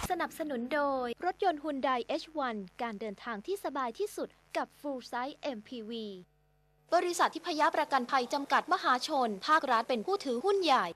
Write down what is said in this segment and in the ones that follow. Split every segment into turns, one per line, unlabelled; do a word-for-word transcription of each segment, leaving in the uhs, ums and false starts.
สนับสนุนโดยรถยนต์ Hyundai เอช วัน การเดินทางที่สบายที่สุดกับ Full Size เอ็ม พี วี บริษัททิพยประกันภัยจำกัดมหาชนภาครัฐเป็นผู้ถือหุ้นใหญ่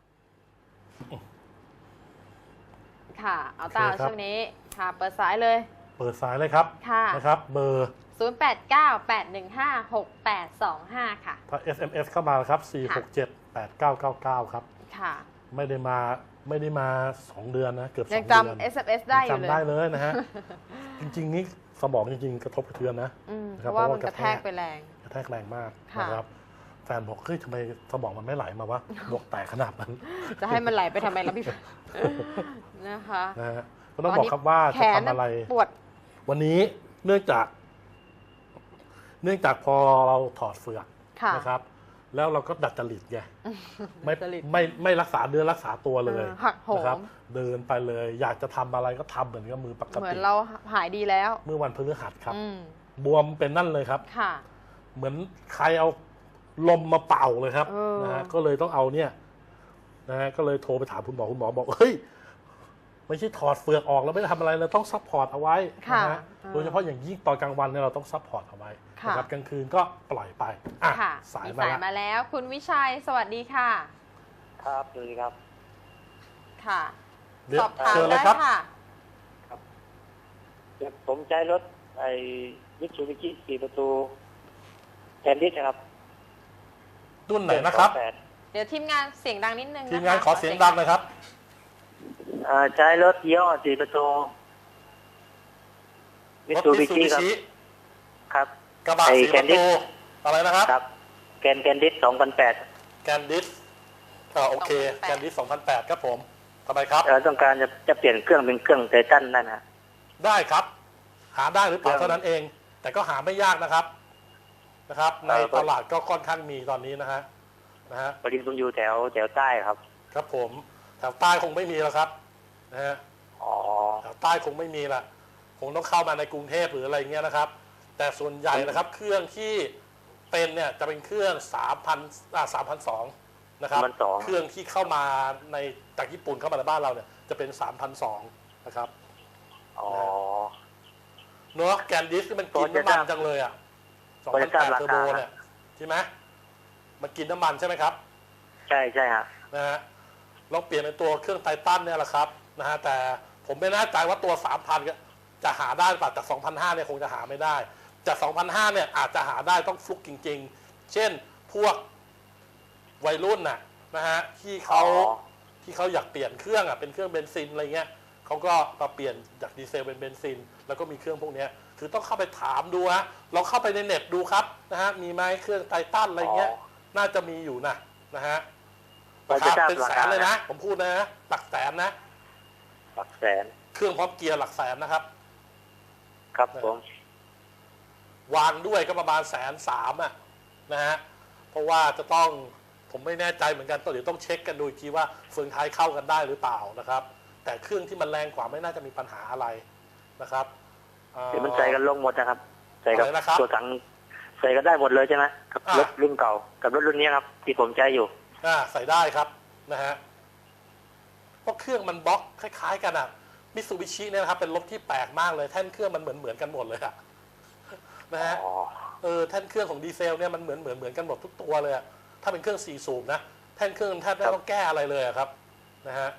ค่ะเอาตาช่วงนี้ค่ะเปิดสายเลย
เปิดสายเลยครับค่ะนะครับเบอร์
ศูนย์ แปด เก้า แปด หนึ่ง ห้า หก แปด สอง ห้าค่ะ
ถ้า เอส เอ็ม เอส เข้ามาครับสี่ หก เจ็ด แปด เก้า เก้า เก้าครับ
ค่ะ
ไม่ได้มาไม่ได้มาสองเดือนนะเกือบสองเดือน
ยังจำ เอส เอ็ม เอส ได้อยู่เลย
จำได้เลยนะฮะจริงๆนี่สมองจริงๆกระทบกระเทือนนะ
เพราะว่ามันกระแทกไปแรง
กระแทกแรงมากนะครับแฟนบอกเฮ้ยทำไมสมองมันไม่ไหลมาวะบอกแตกขนาดนั้น
จะให้มันไหลไปทำไมล่ะพี่นะคะ
นะฮะก็ต้องบอกครับว่าจะทำอะไร
ปวด
วันนี้เนื่องจากเนื่องจากพอเราถอดเฟือกนะครับแล้วเราก็ดัดจริตไงไม่ไม่ไม่รักษาเดือนรักษาตัวเลยนะครับเดินไปเลยอยากจะทำอะไรก็ทำเหมือนกับมือปกติ
เหมือนเราหายดีแล้ว
เมื่อวันพฤหัสครับบวมเป็นนั่นเลยครับเหมือนใครเอาลมมาเป่าเลยครับนะฮะก็เลยต้องเอาเนี่ยนะฮะก็เลยโทรไปถามคุณหมอคุณหมอบอกเฮ้ยไม่ใช่ถอดเฟือกออกแล้วไม่ได้ทำอะไรเราต้องซัพพอร์ตเอาไว้นะฮะโดยเฉพาะอย่างยิ่งตอนกลางวันเนี่ยเราต้องซัพพอร์ตเอาไว้นะครับกลางคืนก็ปล่อยไปอ่ะ
สายมาแล้วคุณวิชัยสวัสดีค่ะ
ครับสวัสดีครับ
ค่ะสอบถามได้ค่ะ
ครับผมใช้รถไอ้มิตซูบิชิสี่ประตูแคนดิสครับ
รุ่นไหนนะครับ
เดี๋ยวทีมงานเสียงดังนิดนึง
ทีมงานขอเสียงดังเลยครับ
ใช้รถยี่ห้อสี่ประตูมิตซูบิชิครับครับ
กระบะสี่ประตูอะไรนะครับ
ครับแกนแกนดิสสองพันแปด
แกนดิสอ่าโอเคแกนดิสสองพันแปดครับผมทำไมครับ
เราต้องการจะจะเปลี่ยนเครื่องเป็นเครื่องไททันนั่นนะ
ได้ครับหาได้หรือเปล่าเท่านั้นเองแต่ก็หาไม่ยากนะครับนะครับในตลาดก็ค่อนข้างมีตอนนี้นะฮะนะฮะ
บริษัทอยู่แถวแถวใต้ครับ
ครับผมแถวใต้คงไม่มีแล้วครับนะฮะ
อ๋อ
แถวใต้คงไม่มีละคงต้องเข้ามาในกรุงเทพหรืออะไรเงี้ยนะครับแต่ส่วนใหญ่นะครับเครื่องที่เป็นเนี่ยจะเป็นเครื่องสามพันอ่าสามพันสองนะครับเครื่องที่เข้ามาในจากญี่ปุ่นเข้ามาในบ้านเราเนี่ยจะเป็นสามพันสองนะครับ
อ๋อ
เนาะแกนดิสที่มันกินน้ำมันจังเลยอ่ะสองพันแปดเทอร์โบเนี่ยใช่ไหมมันกินน้ำมันใช่ไหมครับ
ใช่ใช่ฮะ
นะฮะเราเปลี่ยนเป็นตัวเครื่องไททันเนี่ยแหละครับนะฮะแต่ผมไม่แน่ใจว่าตัวสามพันจะหาได้ป่ะจากสองพันห้าเนี่ยคงจะหาไม่ได้จากสองพันห้าเนี่ยอาจจะหาได้ต้องฟลุกจริงๆเช่นพวกวัยรุ่นน่ะนะฮะที่เขาที่เขาอยากเปลี่ยนเครื่องอ่ะเป็นเครื่องเบนซินอะไรเงี้ยเขาก็มาเปลี่ยนจากดีเซลเป็นเบนซินแล้วก็มีเครื่องพวกนี้คือต้องเข้าไปถามดูฮะเราเข้าไปในเน็ตดูครับนะฮะมีไหมเครื่องไททันอะไรเงี้ยน่าจะมีอยู่นะนะฮะราคาเป็นแสนเลยนะผมพูดนะหลักแสนนะ
หลักแสน
เครื่องพร้อมเกียร์หลักแสนนะครับ
ครับผม
วางด้วยก็ประมาณแสนสามอ่ะนะฮะเพราะว่าจะต้องผมไม่แน่ใจเหมือนกันต้องเดี๋ยวต้องเช็คกันดูอีกทีว่าเฟืองท้ายเข้ากันได้หรือเปล่านะครับแต่เครื่องที่มันแรงกว่าไม่น่าจะมีปัญหาอะไรนะครับ
เดี๋ยวมันใส่กันลงหมดนะครับใส่กับตัวถังใส่กันได้หมดเลยใช่ไหมกับรถรุ่นเก่ากับรถรุ่นนี้ครับที่ผมใช้อยู่
อ่าใส่ได้ครับนะฮะเพราะเครื่องมันบล็อกคล้ายๆกันอ่ะมิตซูบิชิเนี่ยนะครับเป็นรถที่แปลกมากเลยแท่นเครื่องมันเหมือนเหมือนกันหมดเลยอะนะฮะเออแท่นเครื่องของดีเซลเนี่ยมันเหมือนเหมือนเหมือนกันหมดทุกตัวเลยอะถ้าเป็นเครื่องสี่สูบนะแท่นเครื่องแทบไม่ต้องแก้อะไรเลยครับนะฮะ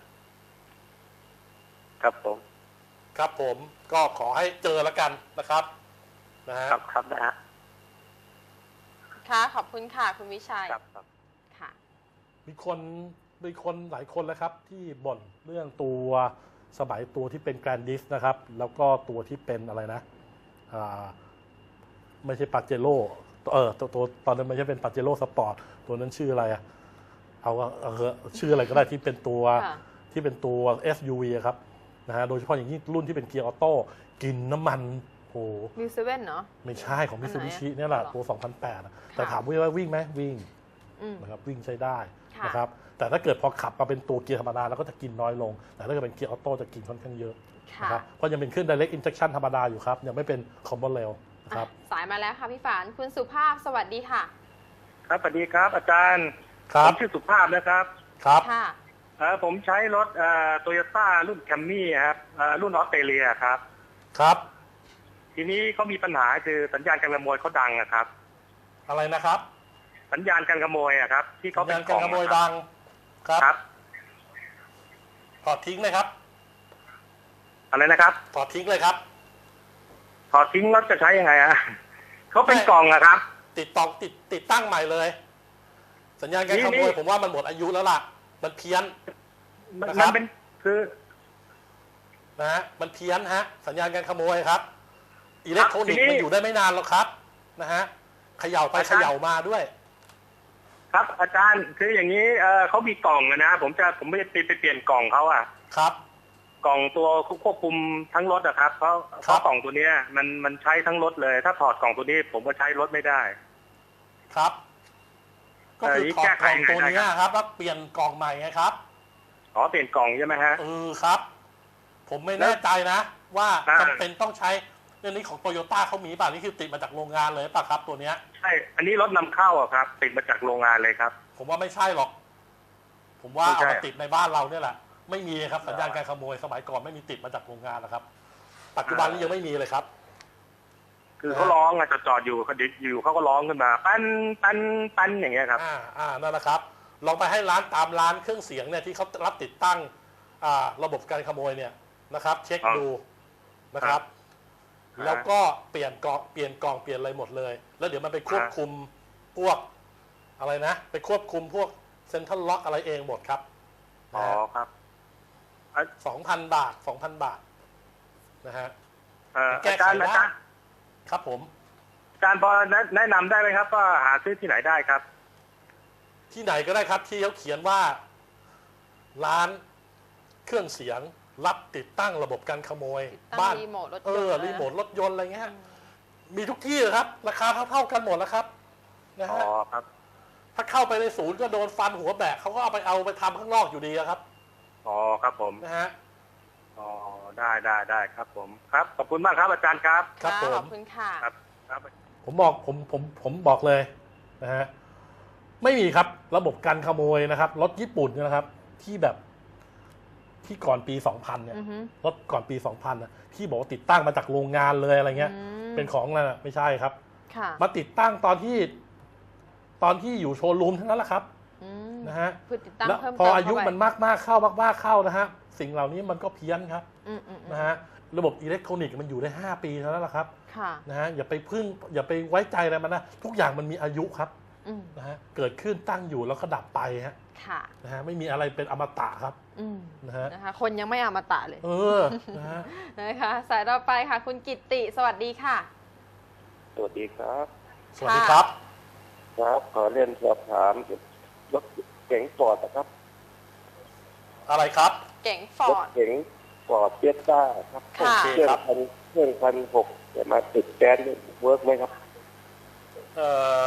ครับผม
ครับผมก็ขอให้เจอแล้วกันนะครับนะฮะ
ครับครับนะฮะ
ค่ะขอบคุณค่ะคุณวิชัย
ครับครับ
ค่ะ
มีคนมีคนหลายคนแล้วครับที่บ่นเรื่องตัวสมัยตัวที่เป็นแกรนดิสนะครับแล้วก็ตัวที่เป็นอะไรนะอ่าไม่ใช่ปาเจโร่เออตัวตัวตอนนั้นไม่ใช่เป็นปาเจโร่สปอร์ตตัวนั้นชื่ออะไรอะเอาเอาชื่ออะไรก็ได้ที่เป็นตัวที่เป็นตัว เอส ยู วี ครับนะฮะโดยเฉพาะอย่างยิ่งรุ่นที่เป็นเกียร์ออโต้กินน้ำมันโอ้
มิวเซเว่นเนาะ
ไม่ใช่ของมิตซูบิชิเนี่ยแหละตัวสองพันแปดแต่ถามว่าวิ่งไหมวิ่งนะครับวิ่งใช้ได้นะครับแต่ถ้าเกิดพอขับมาเป็นตัวเกียร์ธรรมดาแล้วก็จะกินน้อยลงแต่ถ้าเกิดเป็นเกียร์ออโต้จะกินค่อนข้างเยอะนะครับเพราะยังเป็นเครื่อง direct injection ธรรมดาอยู่ครับยังไม่เป็น common rail นะครับ
สายมาแล้วค่ะพี่ฝานคุณสุภาพสวัสดีค่ะ
ครับสวัสดีครับอาจารย์
ครับ
ชื่อสุภาพนะครับ
ครับ
ค่ะ
ออผมใช้รถเอ่อโตโยต้ารุ่นแคมมี่ครับเอ่อรุ่นออสเตรเลียครับ
ครับ
ทีนี้เขามีปัญหาคือสัญญาณการขโมยเขาดังอะครับ
อะไรนะครับ
สัญญาณการขโมยอะครับที่เขาเป็น
การขโมยดัง
ครับ
ถอดทิ้งเลยครับ
อะไรนะครับ
ถอดทิ้งเลยครับ
ถอดทิ้งแล้วจะใช้ยังไงอะเขาเป็นกล่องอะครับ
ติดต่อติดติดตั้งใหม่เลยสัญญาณการขโมยผมว่ามันหมดอายุแล้วล่ะมันเพี้ยน
มันเป็นคือ
นะฮะมันเพี้ยนฮะสัญญาณการขโมยครับอิเล็กทรอนิกส์มันอยู่ได้ไม่นานหรอกครับนะฮะเขย่าไปเขย่ามาด้วย
ครับอาจารย์คืออย่างนี้เออเขามีกล่องนะผมจะผมไม่ได้ไปเปลี่ยนกล่องเขาอะ
ครับ
กล่องตัวควบคุมทั้งรถอะครับเพราะเพราะกล่องตัวนี้มันมันใช้ทั้งรถเลยถ้าถอดกล่องตัวนี้ผมก็ใช้รถไม่ได้
ครับก็คือถอดกล่องตัวนี้ครับแล้วเปลี่ยนกล่องใหม่ไงครับ
อ๋อเปลี่ยนกล่องใช่ไหมฮะ
เออครับผมไม่แน่ใจนะว่าจำเป็นต้องใช้เรื่องนี้ของโตโยต้าเขามีป่ะนี่คือติดมาจากโรงงานเลยป่ะครับตัวเนี้ย
ใช่อันนี้รถนำเข้าอะครับติดมาจากโรงงานเลยครับ
ผมว่าไม่ใช่หรอกผมว่าเอามาติดในบ้านเราเนี่ยแหละไม่มีครับสัญญาณการขโมยสมัยก่อนไม่มีติดมาจากโรงงานนะครับปัจจุบันนี้ยังไม่มีเลยครับ
คือเขาร้องอะจอดจอดอยู่เขาอยู่เขาก็ร้องขึ้นมาปั้นปั้นปั้นอย่างเงี้ยครับ
อ่าอ่านั่นแหละครับลองไปให้ร้านตามร้านเครื่องเสียงเนี่ยที่เขารับติดตั้งอ่าระบบการขโมยเนี่ยนะครับเช็คดูนะครับแล้วก็เปลี่ยนกล่องเปลี่ยนกล่องเปลี่ยนอะไรหมดเลยแล้วเดี๋ยวมันไปควบคุมพวกอะไรนะไปควบคุมพวกเซ็นทรัลล็อกอะไรเองหมดครับ
อ๋อครับ
สองพันบาทสองพันบาทนะฮะ
แก้ไขได้
ครับผม
อาจารย์พอแนะนำได้ไหมครับว่าหาซื้อที่ไหนได้ครับ
ที่ไหนก็ได้ครับที่เขาเขียนว่าร้านเครื่องเสียงรับติดตั้งระบบการขโมย
บ้านเอ
อรีโมทรถยนต์อะไรเงี้ยมีทุกที่เลยครับราคาเท่าๆกันหมดแล้วครับนะฮะ
อ๋อครับ
ถ้าเข้าไปในศูนย์ก็โดนฟันหัวแบกเขาก็เอาไปเอาไปทำข้างนอกอยู่ดีครับ
อ๋อครับผม
นะฮะ
อ๋อได้ได้ได้ครับผมครับขอบคุณมากครับอาจารย์ครับ
ครับผม
ขอบคุณค่ะ
ครับครับ
ผมบอกผมผมผมบอกเลยนะฮะไม่มีครับระบบการขโมยนะครับรถญี่ปุ่นนะครับที่แบบที่ก่อนปีสองพันเนี่ยรถก่อนปีสองพันนะที่บอกว่าติดตั้งมาจากโรงงานเลยอะไรเงี้ยเป็นของนั่นนะไม่ใช่ครับมาติดตั้งตอนที่ตอนที่อยู่โชว์รูมทั้งนั้นแหละครับนะฮะแล้วพออายุมันมากมากเข้ามากๆเข้านะฮะสิ่งเหล่านี้มันก็เพี้ยนครับนะฮะระบบอิเล็กทรอนิกส์มันอยู่ได้ห้าปีเท่านั้นแหละครับนะฮะอย่าไปพึ่งอย่าไปไว้ใจอะไรมันนะทุกอย่างมันมีอายุครับนะฮะเกิดขึ้นตั้งอยู่แล้วก็ดับไปฮะนะฮะไม่มีอะไรเป็นอมตะครับ
นะฮะนะคะคนยังไม่อมตะเลย
เออนะฮะ
นะคะสายต่อไปค่ะคุณกิตติสวัสดีค่ะ
สวัสดีครับ
สวัสดีครับ
ครับขอเรียนสอบถามรถเก๋งฟอร์ดนะครับ
อะไรครับ
เก๋งฟอร์ด
รถเก๋งฟอร์ดเฟียสต้าครับเครื่องพันเครื่องพันหกจะมาติดแก๊สเวิร์กไหมครับ
เอ่อ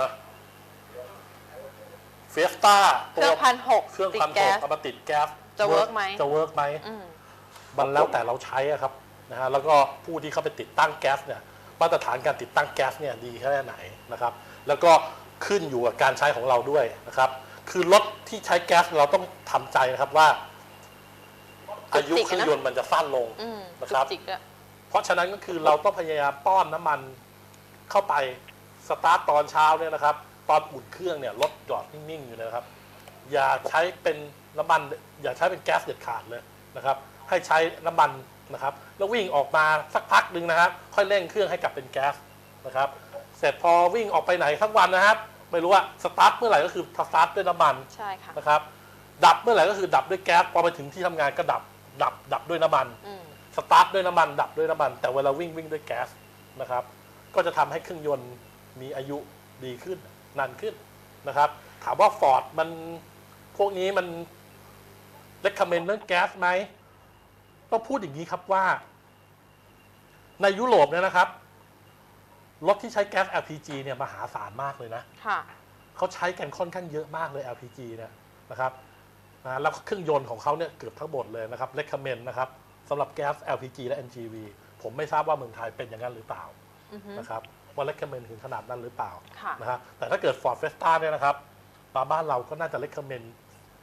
เฟียสต้า
เครื่องพันหก
เครื่องพันหกเอามาติดแก๊ส
จะเวิร์กไหม
จะเวิร์กไหมมันแล้วแต่เราใช้ครับนะฮะแล้วก็ผู้ที่เข้าไปติดตั้งแก๊สเนี่ยมาตรฐานการติดตั้งแก๊สเนี่ยดีแค่ไหนนะครับแล้วก็ขึ้นอยู่กับการใช้ของเราด้วยนะครับคือรถที่ใช้แก๊สเราต้องทำใจนะครับว่าอายุเครื่องยนต์มันจะสั้นลงนะครับเพราะฉะนั้นก็คือเราต้องพยายามป้อนน้ำมันเข้าไปสตาร์ทตอนเช้าเนี่ยนะครับตอนอุ่นเครื่องเนี่ยรถจอดนิ่งๆอยู่นะครับอย่าใช้เป็นน้ำมันอย่าใช้เป็นแก๊สเด็ดขาดเลยนะครับให้ใช้น้ำมันนะครับแล้ววิ่งออกมาสักพักหนึ่งนะครับค่อยเร่งเครื่องให้กลับเป็นแก๊สนะครับเสร็จพอวิ่งออกไปไหนทั้งวันนะครับไม่รู้ว่าสตาร์ทเมื่อไหร่ก็คือสตาร์ทด้วยน้ำมัน
ใช่ค่ะ
นะครับดับเมื่อไหร่ก็คือดับด้วยแก๊สพอไปถึงที่ทำงานก็ดับดับดับด้วยน้ำมันสตาร์ทด้วยน้ำมันดับด้วยน้ำมันแต่เวลาวิ่งวิ่งด้วยแก๊สนะครับก็จะทำให้เครื่องยนต์มีอายุดีขึ้นนานขึ้นนะครับถามว่าฟอร์ดมันพวกนี้มันเรคคอมเมนต์เรื่องแก๊สไหมต้องพูดอย่างนี้ครับว่าในยุโรปเนี่ยนะครับรถที่ใช้แก๊ส แอล พี จี เนี่ยมหาศาลมากเลยนะเขาใช้กันค่อนข้างเยอะมากเลย แอล พี จี เนี่ยนะครับนะแล้วเครื่องยนต์ของเขาเนี่ยเกือบทั้งหมดเลยนะครับเรคคอมเมนต์นะครับสำหรับแก๊ส แอล พี จี และ เอ็น จี วี ผมไม่ทราบว่าเมืองไทยเป็นอย่างนั้นหรือเปล่านะครับว่าเรคคอมเมนต์ถึงขนาดนั้นหรือเปล่านะฮะแต่ถ้าเกิด Ford Fiesta เนี่ยนะครับมาบ้านเราก็น่าจะเรคคอมเมนต์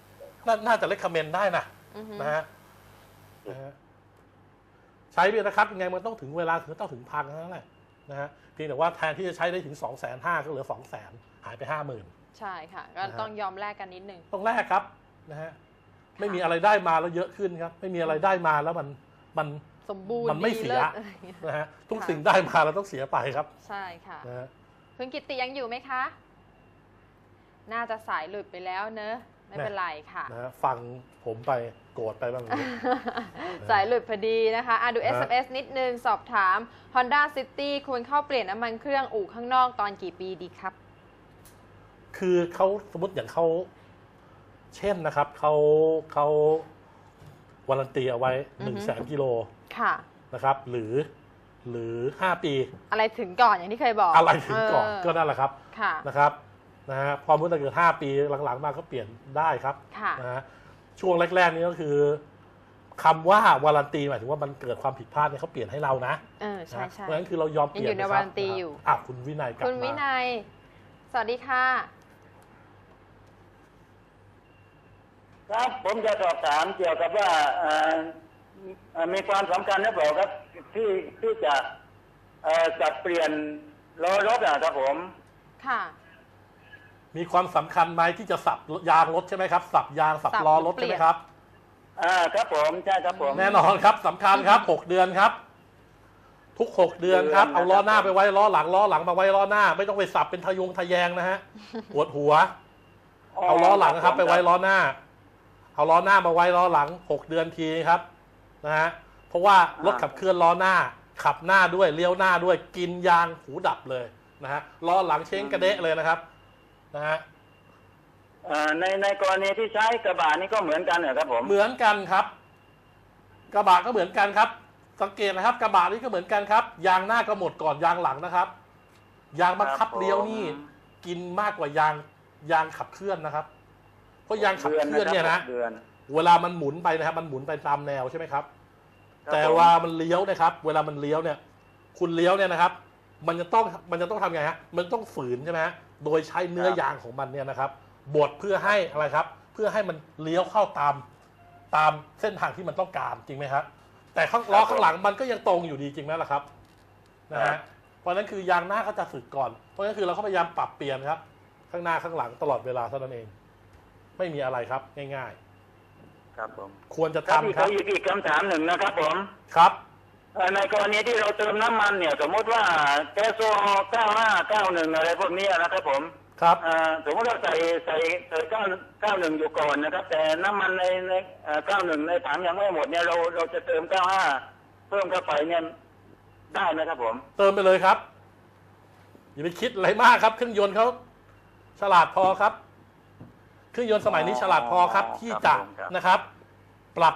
นาน่าจะเลคคอมเมนต์ได้นะนะฮะนะฮะใช้ไปนะครับยังไงมันต้องถึงเวลาถึงต้องถึงพันนั่นแหละนะฮะเพียงแต่ว่าแทนที่จะใช้ได้ถึงสองแสนห้าก็เหลือสองแสนหายไปห้าหมื่น
ใช่ค่ะก็ต้องยอมแลกกันนิดนึง
ต้องแลกครับนะฮะไม่มีอะไรได้มาแล้วเยอะขึ้นครับไม่มีอะไรได้มาแล้วมันมัน
สมบูรณ์
มันไม่เสียนะฮะทุกสิ่งได้มาเราต้องเสียไปครับ
ใช่ค่ะ
นะฮะ
คุณกิตติยังอยู่ไหมคะน่าจะสายหลุดไปแล้วเนอะไม่เป็นไรค่ะ
นะฟังผมไปโกรธไปบ้าง
สายหลุดพอดีนะคะอ่ะดู เอส เอ็ม เอส นิดนึงสอบถาม Honda City ควรเข้าเปลี่ยนน้ำมันเครื่องอู่ข้างนอกตอนกี่ปีดีครับ
คือเขาสมมติอย่างเขาเช่นนะครับเขาเขาวารันตีเอาไว้หนึ่งแสนกิโลนะครับหรือหรือห้าปี
อะไรถึงก่อนอย่างที่เคยบอก
อะไรถึงก่อนก็นั่นแหละครับนะครับนะฮะพอเมื่อเกิดห้าปีหลังๆมาก็เปลี่ยนได้ครับนะฮะช่วงแรกๆนี้ก็คือคำว่าวารันตีหมายถึงว่ามันเกิดความผิดพลาดเนี่ยเขาเปลี่ยนให้เรานะ
เออใช่ใช่
เพราะฉะนั้นคือเรายอมเปลี่ยน
อยู่ในวารันตีอยู่
อ่ะคุณวินัยกลับมา
คุณวินัยสวัสดีค่ะ
ครับผมจะสอบถามเกี่ยวกับว่ามีความสำคัญหรือเปล่าครับที่ที่จะจัดเปลี่ยนล้อรถนะครับผม
ค่ะ
มีความสำคัญไหมที่จะสับยางรถใช่ไหมครับสับยางสับล้อรถใช่ไหมครับ
อ่าครับผมใช่ครับผม
แน่นอนครับสำคัญครับหกเดือนครับทุกหกเดือนครับเอาล้อหน้าไปไว้ล้อหลังล้อหลังมาไว้ล้อหน้าไม่ต้องไปสับเป็นทะยงทะแยงนะฮะปวดหัวเอาล้อหลังครับไปไว้ล้อหน้าเอาล้อหน้ามาไว้ล้อหลังหกเดือนทีครับนะฮะเพราะว่ารถขับเคลื่อนล้อหน้าขับหน้าด้วยเลี้ยวหน้าด้วยกินยางหูดับเลยนะฮะล้อหลังเช้งกระเดะเลยนะครับนะฮะ
ในในกรณีที่ใช้กระบะนี่ก็เหมือนกันเหรอครับผม
เหมือนกันครับกระบะก็เหมือนกันครับสังเกตนะครับกระบะนี่ก็เหมือนกันครับยางหน้าก็หมดก่อนยางหลังนะครับยางบังคับเลี้ยวนี่กินมากกว่ายางยางขับเคลื่อนนะครับเพราะยางขับเคลื่อนเนี่ยนะเวลามันหมุนไปนะครับมันหมุนไปตามแนวใช่ไหมครับแต่ว่ามันเลี้ยวนะครับเวลามันเลี้ยวเนี่ยคุณเลี้ยวเนี่ยนะครับมันจะต้องมันจะต้องทำไงฮะมันต้องฝืนใช่ไหมฮะโดยใช้เนื้อยางของมันเนี่ยนะครับบดเพื่อให้อะไรครับเพื่อให้มันเลี้ยวเข้าตามตามเส้นทางที่มันต้องการจริงไหมครับแต่ข้างล้อข้างหลังมันก็ยังตรงอยู่ดีจริงไหมล่ะครับนะฮะเพราะนั้นคือยางหน้าก็จะสึกก่อนเพราะนั้นคือเราก็พยายามปรับเปลี่ยนครับข้างหน้าข้างหลังตลอดเวลาเท่านั้นเองไม่มีอะไรครับง่าย
ๆครับผม
ควรจะทำครับ
อีกคำถามหนึ่งนะครับผม
ครับ
ในกรณีที่เราเติมน้ำมันเนี่ยสมมติว่าแก๊สโซฮอล์เก้าห้าเก้าหนึ่งอะไรพวกนี้นะครับผม
ครับ
สมมติเราใส่ใส่ใส่เก้าเก้าหนึ่งอยู่ก่อนนะครับแต่น้ำมันในในเก้าหนึ่งในถังยังไม่หมดเนี่ยเราเราจะเติมเก้าห้าเพิ่มเข้าไปเนี่ยได้ไหมครับผม
เติมไปเลยครับอย่าไปคิดอะไรมากครับเครื่องยนต์เขาฉลาดพอครับเครื่องยนต์สมัยนี้ฉลาดพอครับที่จะนะครับปรับ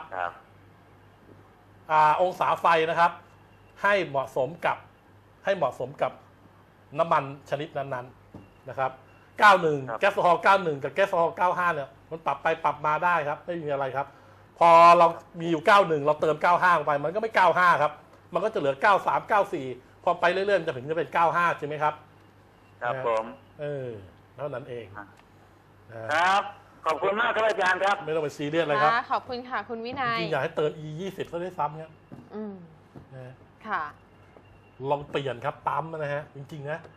องศาไฟนะครับให้เหมาะสมกับให้เหมาะสมกับน้ำมันชนิดนั้นๆนะครับเก้าสิบเอ็ดแก๊สโซฮอล์เก้าสิบเอ็ดกับแก๊สโซฮอล์เก้าสิบห้าเนี่ยมันปรับไปปรับมาได้ครับไม่มีอะไรครับพอเรามีอยู่เก้าสิบเอ็ดเราเติมเก้าสิบห้าลงไปมันก็ไม่เก้าสิบห้าครับมันก็จะเหลือเก้าสิบสาม เก้าสิบสี่พอไปเรื่อยๆจะถึงจะเป็นเก้าสิบห้าใช่ไหมครับ
ครับผม
เออเท่านั้นเอง
ครับขอบคุณมากครับอาจารย์ครับ
ไม่ต้องไปซีเรียสเลยครับ
ขอบคุณค่ะคุณวินัย
จริงอยากให้เติม อี ยี่สิบ ซะด้วยซ้ำครับ
อืมค่ะ
ลองเปลี่ยนครับปั๊มนะฮะจริงๆนะ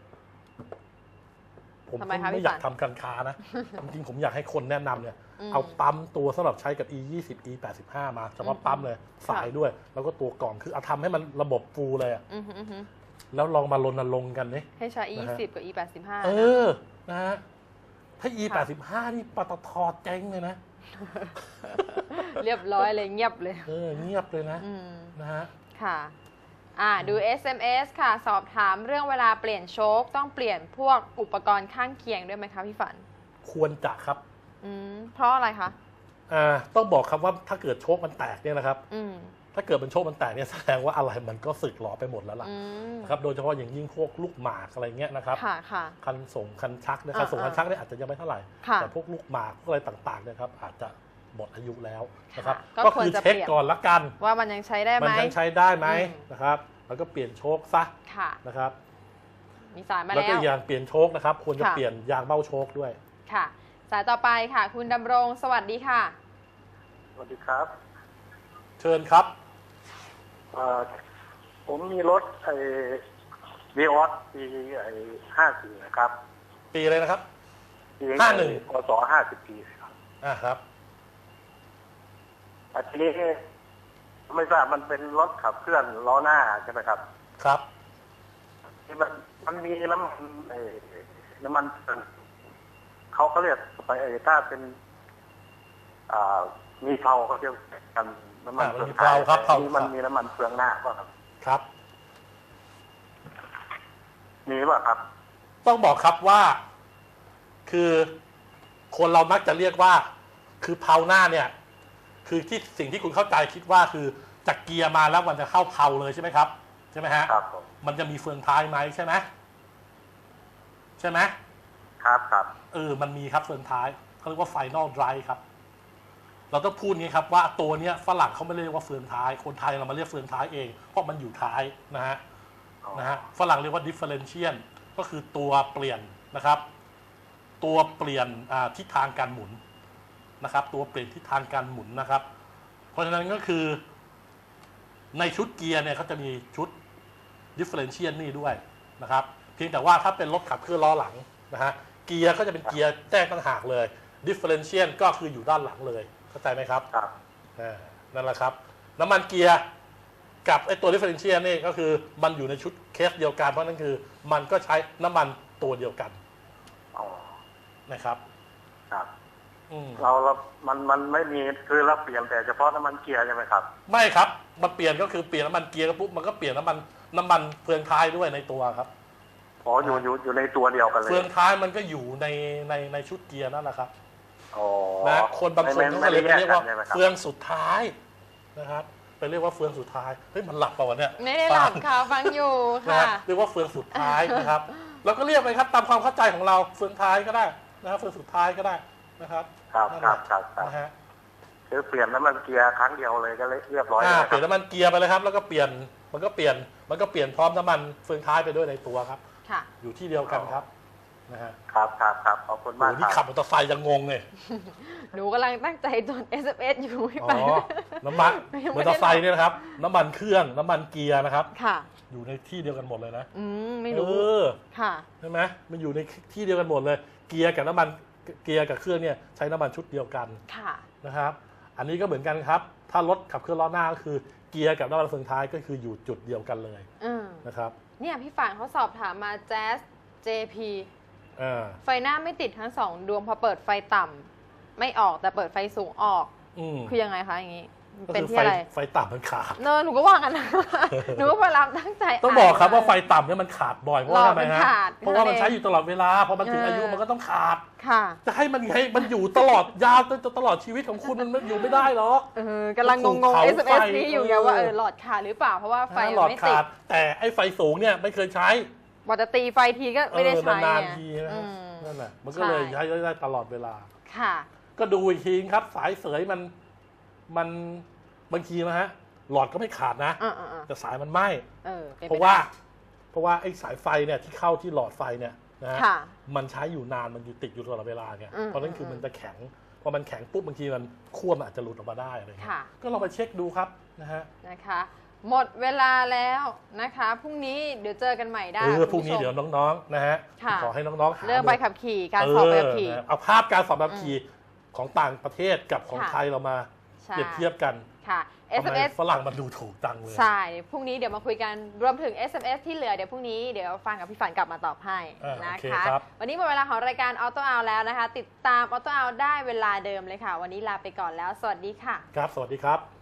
ผมไม่อยากทำการค้านะจริงๆผมอยากให้คนแนะนำเนี่ยเอาปั๊มตัวสำหรับใช้กับ อี ยี่สิบ อี แปดสิบห้า มาเฉพาะปั๊มเลยสายด้วยแล้วก็ตัวกล่องคือเอาทำให้มันระบบฟูลเลยอ่ะแล้วลองมารณรงค์กันนี่
ให้ใช้ อี ยี่สิบ กับ อี แปดสิบห้า
เออนะฮะถ้า อี แปดสิบห้า นี่ปตท.เจ๊งเลยนะ
เรียบร้อยเลยเงียบเลย
เออเงียบเลยนะนะฮะ
ค่ะอ่าดู เอส เอ็ม เอส ค่ะสอบถามเรื่องเวลาเปลี่ยนโชคต้องเปลี่ยนพวกอุปกรณ์ข้างเคียงด้วยไหมคะพี่ฝัน
ควรจะครับ
อืมเพราะอะไรคะ
อ่าต้องบอกครับว่าถ้าเกิดโชคมันแตกเนี่ยนะครับ
อืม
ถ้าเกิดเป็นโชคมันแตกเนี่ยแสดงว่าอะไรมันก็สึกหรอไปหมดแล้วล่ะครับโดยเฉพาะอย่างยิ่งพวกลูกหมากอะไรเงี้ยนะครับ
ค่ะค่ะ
คันส่งคันชักเนี่ยคันส่งคันชักเนี่ยอาจจะยังไม่เท่าไหร่แต่พวกลูกหมากพวกอะไรต่างๆเนี่ยครับอาจจะหมดอายุแล้วนะครับก็คือเช็คก่อนละกัน
ว่ามันยังใช้ได้ไหม
มันยังใช้ได้ไหมนะครับแล้วก็เปลี่ยนโชคซะนะครับ
มีสายมาแล้ว
แล้วก็ยางเปลี่ยนโชคนะครับควรจะเปลี่ยนยางเบ้าโชคด้วย
ค่ะสายต่อไปค่ะคุณดำรงสวัสดีค่ะ
วัสดีครับ
เชิญครับ
เอ่อผมมีรถไอ้วีออสปีไอ้ห้าสี่นะครับ
ปีอะไรนะครับ
ปี
ห้าหนึ่ง
พศห้าสิบปีครับ
อ่าครับ
อันนี้ไม่ทราบมันเป็นรถขับเคลื่อนล้อหน้าใช่ไหมครับ
ครับ
ที่มันมันมีน้ำมันไอ้น้ำมันเขาเขาเรียกไปไอ้ถ้าเป็นอ่ามีเพลาเขาเรียกกันน้ำมัน
อ่ามันมีเพลาครับเพลา
นี่มันมีน้ำมันเฟืองหน้าป่ะครับ
ครับ
มีป่ะครับ
ต้องบอกครับว่า คือคนเรามักจะเรียกว่า คือเพลาหน้าเนี่ย คือที่สิ่งที่คุณเข้าใจคิดว่าคือจากเกียร์มาแล้วมันจะเข้าเพลาเลยใช่ไหมครับใช่ไหมฮะ
ครับผม
มันจะมีเฟืองท้ายไหมใช่ไหมใช่ไหม
ครับครับ
เออมันมีครับเฟืองท้ายเขาเรียกว่า Final Drive ครับ เราต้องพูดงี้ครับว่าตัวเนี้ยฝรั่งเขาไม่เรียกว่าเฟืองท้ายคนไทยเรามาเรียกเฟืองท้ายเองเพราะมันอยู่ท้ายนะฮะนะฮะฝรั่งเรียกว่า differential ก็คือตัวเปลี่ยนนะครับ ตัวเปลี่ยนทิศทางการหมุนนะครับ ตัวเปลี่ยนทิศทางการหมุนนะครับ เพราะฉะนั้นก็คือในชุดเกียร์เนี่ยเขาจะมีชุด differential นี่ด้วยนะครับเพียงแต่ว่าถ้าเป็นรถขับเคลื่อนล้อหลังนะฮะเกียร์ก็จะเป็นเกียร์แจ้งต่างหากเลย differential ก็คืออยู่ด้านหลังเลยเข้าใจไหมครับ
ครับ
นั่นแหละครับน้ำมันเกียร์กับไอตัว differential นี่ก็คือมันอยู่ในชุดเคสเดียวกันเพราะนั่นคือมันก็ใช้น้ำมันตัวเดียวกัน
อ๋อ
นะครับ
ครับ
อืม
เราเรามันมันไม่มีคือเราเปลี่ยนแต่เฉพาะน้ำมันเกียร์ใช่ไหมครับ
ไม่ครับมันเปลี่ยนก็คือเปลี่ยนน้ำมันเกียร์ปุ๊บมันก็เปลี่ยนน้ำมันน้ำมันเฟืองท้ายด้วยในตัวครับ
อ๋ออยู่อยู่อยู่ในตัวเดียวกันเลย
เฟืองท้ายมันก็อยู่ในในในชุดเกียร์นั่นแหละครับ
อ๋อ
นะคนบางคนเขาก็เลยไปเรียกว่า
ใช่ไหมครับ
เฟืองสุดท้ายนะครับไปเรียกว่าเฟืองสุดท้ายเฮ้ยมันหลับเปล่าวะเนี่ย
ไม่ได้หลับค่ะฟังอยู่
นะ
ค่ะ
ฮะเรียกว่าเฟืองสุดท้ายนะครับเราก็เรียกไปครับตามความเข้าใจของเราเฟืองท้ายก็ได้นะครับเฟืองสุดท้ายก็ได้นะครับ
ครับ
นั่น
ค
แห
รั
ละ
บครับครับ
นะฮะ
คือเปลี่ยนน้ำมันเกียร์ครั้งเดียวเลยก็เลยเรียบร้อย
อ่า
เลย
เปลี่ยนน้ำมันเกียร์ไปเลยครับแล้วก็เปลี่ยนมันก็เปลี่ยนมันก็เปลี่ยนพร้อมน้ำมันเฟืองท้ายไปด้วยในตัวครับ
ค่ะ
อยู่ที่เดียวกันครับนะฮะ
ครับครับครับขอบคุณ
โห
มาก
นี่
ค
ขั
รั
บบ มอเตอร์ไซค์ยังงงเลย
หนูกำลังตั้งใจจด เอส เอ็ม เอส อยู่ไม่
อ๋
ไป
อน้ำมัน
ยัง
ม
ไม่
อ
ได้
เตอร์ไซค์เนี่ยนะครับน้ำมันเครื่องน้ำมันเกียร์นะครับ
ค่ะ
อยู่ในที่เดียวกันหมดเลยนะ
อืมไม่
เอ
รู้
อ
ค่ะ
ใช่ไหมมันอยู่ในที่เดียวกันหมดเลย เกียร์กับน้ำมันเกียร์กับเครื่องเนี่ยใช้น้ำมันชุดเดียวกัน
ค่ะ
นะครับ อันนี้ก็เหมือนกันครับ ถ้ารถขับเคลื่อนล้อหน้าก็คือเกียร์กับน้ำมันเฟืองท้ายก็คืออยู่จุดเดียวกันเลย
อืม
นะครับ
เนี่ยพี่ฝานเขาสอบถามมา Jazz เจ พี
อ่า
ไฟหน้าไม่ติดทั้งสองดวงพอเปิดไฟต่ำไม่ออกแต่เปิดไฟสูงออก
อืม
คือยังไงคะอย่างนี้
ก็
เป็น
คือ
ที่
ไฟ
อะไร
ไฟต่ำมันขาด
เนอะหนูก็ว่ากันนะ หนูก็พยายามตั้งใจ
ต้องบอกครับว่าไฟต่ำเนี่ยมันขาดบ่อยเพราะว่า
หลอด
ทำไม
มัน
ฮะ
ขาด
เพราะว่ามัน
นั่นเอง
ใช้อยู่ตลอดเวลาพอมันถึง
เอออ
อายุมันก็ต้องขาด
ค่ะ
จะให้มันให้มันอยู่ตลอดยาวจนตลอดชีวิตของคุณมันไม่อยู่ไม่ได้หรอก
เออกำลังงง
ภู
ง
เขา
เอส เอ็ม เอส
ไฟ
นี้อยู่ไง
เออ
ว่าเออหลอดขาดหรือเปล่าเพราะว่าไฟ
หลอด
ไม่ติ
ขา
ด
ดแต่ไอ้ไฟสูงเนี่ยไม่เคยใช้
พอจะตีไฟทีก็ไม่ได้ใช้
เออนาน
ไง
ๆทีนะ
อื
ฮะ
ม
นั่นแหละมันก็เลย
ใช่
ใช้ได้ตลอดเวลา
ค่ะ
ก็ดูอีกทีครับ สายเสยมันมันบางทีนะฮะหลอดก็ไม่ขาดนะ
อ่าๆ
แต่สายมันไหม้
ๆเออป็น
เพ
ไป
ราะว่า
ได้
เพราะว่าไอ้สายไฟเนี่ยที่เข้าที่หลอดไฟเนี่ยนะฮะ
ค่ะ
มันใช้อยู่นานมันอยู่ติดอยู่ตลอดเวลาไง
อืม
เพราะนั่นคือมันจะแข็งพอมันแข็งปุ๊บบางทีมันขั้วมันอาจจะหลุดออกมาได้อะไรเงี้ย
ค่ะ
ก็ลองไปเช็คดูครับนะฮะ
นะคะ หมดเวลาแล้วนะคะพรุ่งนี้เดี๋ยวเจอกันใหม่ได้
เออ
คุณ
พรุ่งนี้
ผู้ชม
เดี๋ยวน้องๆนะฮะ
ค่ะ
ขอให้น้องๆหา
เรื่องใบขับขี่การสอบใบขับขี่
เออนะเอาภาพการสอบใบขับขี่ของต่างประเทศกับของ
ค่ะ
ไทยเรามา
ใช่
เปรียบเทียบกัน
ค่ะ
ทำ
เอส
ไม
เอ็ม เอส
ฝรั่งมันดูถูกจังเลย
ใช่ พรุ่งนี้เดี๋ยวมาคุยกัน รวมถึง เอส เอ็ม เอส ที่เหลือเดี๋ยวพรุ่งนี้เดี๋ยวฟังกับพี่ฝันกลับมาตอบให้
อ่า
นะ
โอเค
คะ
ครับ
วันนี้หมดเวลาของรายการออโต้เอาแล้วนะคะ ติดตามออโต้เอาได้เวลาเดิมเลยค่ะ วันนี้ลาไปก่อนแล้ว สวัสดีค่ะ
ครับ สวัสดีครับ